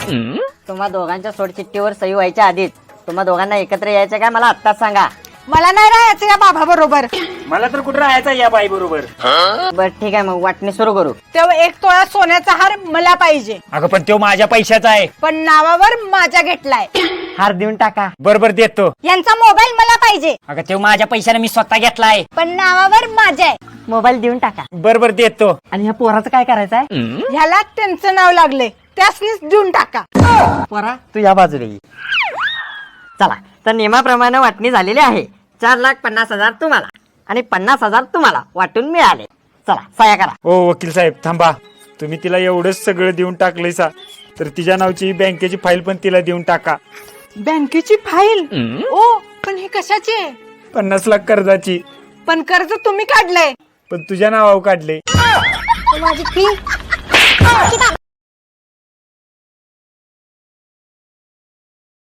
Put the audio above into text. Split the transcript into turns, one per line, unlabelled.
तुम्हा दोघांच्या सोडचिठ्ठीवर सही व्हायच्या आधीच तुम्हा दोघांना एकत्र यायचं काय मला आत्ताच सांगा.
मला नाही राहायचं या बाबा बरोबर.
मला तर कुठं राहायचं या बाई बरोबर.
बर ठीक आहे, मग वाटणी सुरू करू.
तेव्हा 1 तोळा सोन्याचा हार मला पाहिजे,
अगं पण तो माझ्या पैशाचा आहे.
पण नावावर माझ्या घेतलाय.
हार देऊन टाका.
बरोबर देतो.
यांचा मोबाईल मला पाहिजे,
अगं तो माझ्या पैशाने मी स्वतः घेतलाय.
पण नावावर माझ्या आहे.
मोबाईल देऊन टाका.
बरोबर देतो.
आणि ह्या पोराचं काय करायचंय?
ह्याला त्यांचं नाव लागले, त्यासनीच देऊन टाका.
पोरा तू या बाजूला ये. चला तर नियमाप्रमाणे वाटणी झालेली आहे. 4,50,000 तुम्हाला आणि 50,000 तुम्हाला वाटून मिळाले. चला सह्या करा.
ओ वकील साहेब थांबा. तुम्ही तिला एवढंच सगळं देऊन टाकलंय सा, तर तिच्या नावची बँकेची फाईल पण तिला देऊन टाका.
बँकेची फाईल? ओ पण हे कशाची आहे?
50 लाख कर्जाची.
पण कर्ज तुम्ही काढलंय.
पण तुझ्या नावावर काढले.
माझी फी